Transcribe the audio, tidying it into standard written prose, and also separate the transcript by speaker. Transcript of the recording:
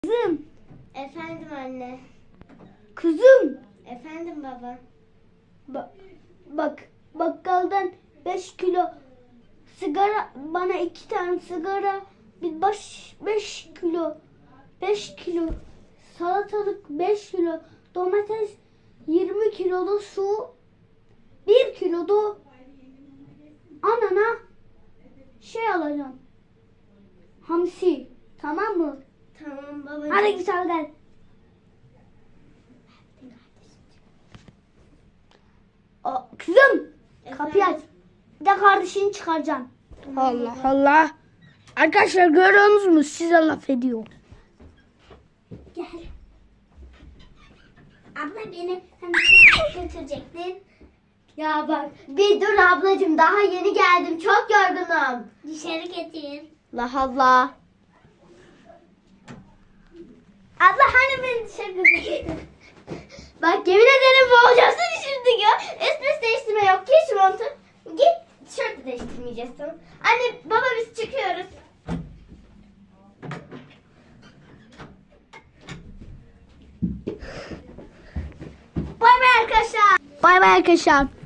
Speaker 1: Kızım.
Speaker 2: Efendim anne.
Speaker 1: Kızım.
Speaker 2: Efendim baba.
Speaker 1: Bak bakkaldan 5 kilo sigara, bana 2 tane sigara, bir 5 kilo salatalık, 5 kilo domates, 20 kilo da su, 1 kilo da anana alacağım. Hamsi. Tamam mı?
Speaker 2: Tamam babacığım.
Speaker 1: Hadi git al gel. Kızım, kapıyı aç. Bir de kardeşini çıkaracaksın. Allah Allah. Arkadaşlar görüyorsunuz mu? Size laf ediyor.
Speaker 2: Gel. Abla beni götürecektin.
Speaker 1: Ya bak.
Speaker 2: Bir dur ablacığım, daha yeni geldim. Çok yorgunum. Dışarı getir.
Speaker 1: Allah Allah.
Speaker 2: Abla hani beni dışarı götürecektin? Bak yemin ederim boğacaksın şimdi ya. Esmes değiştirme yok. Geç şu montu. Git. Tişört de değiştirmeyeceksin. Anne baba biz çıkıyoruz. Bay bay arkadaşlar.
Speaker 1: Bay bay arkadaşlar.